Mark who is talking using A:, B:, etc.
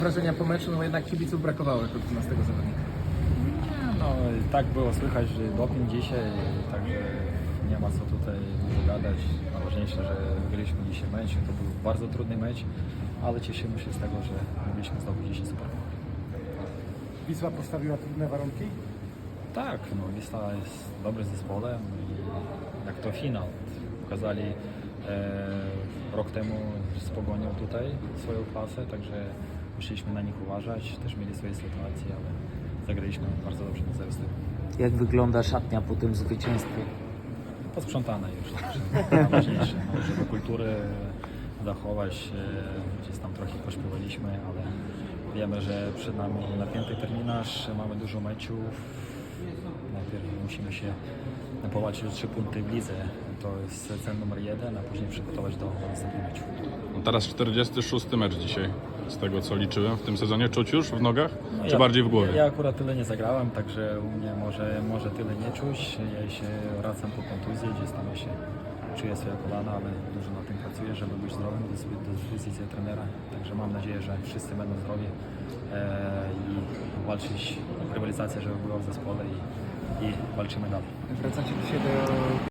A: Wrażenia po meczu, no jednak kibiców brakowało jako 12 zawodnika.
B: No i tak było słychać, że doping dzisiaj, także nie ma co tutaj dużo gadać. Najważniejsze, że wygraliśmy dzisiaj mecz. To był bardzo trudny mecz, ale cieszymy się z tego, że mogliśmy zdobyć dzisiaj super.
C: Wisła postawiła trudne warunki?
B: Tak, no Wisła jest dobrym zespołem i jak to finał. Pokazali rok temu z Pogonią tutaj swoją klasę, także musieliśmy na nich uważać. Też mieli swoje sytuacje, ale zagraliśmy bardzo dobrze na 0.
D: Jak wygląda szatnia po tym zwycięstwie?
B: Posprzątane już, także najważniejsze, no, żeby kulturę zachować. Gdzieś tam trochę pośpiewaliśmy, ale wiemy, że przed nami napięty terminarz, mamy dużo meczów. Najpierw musimy się powalczyć o 3 punkty w lidze. To jest cel numer 1, a później przygotować do następnych meczów.
E: No teraz 46. mecz dzisiaj, z tego co liczyłem w tym sezonie. Czuć już w nogach,
B: No
E: czy bardziej w głowie?
B: Ja akurat tyle nie zagrałem, także u mnie może tyle nie czuć. Ja się wracam po kontuzji, gdzieś tam się czuję swoje kolana, ale dużo na tym pracuję, żeby być zdrowym do dyspozycji trenera. Także mam nadzieję, że wszyscy będą zdrowi i walczyć o rywalizację, żeby była w zespole i walczymy dalej.
A: Wracacie dzisiaj do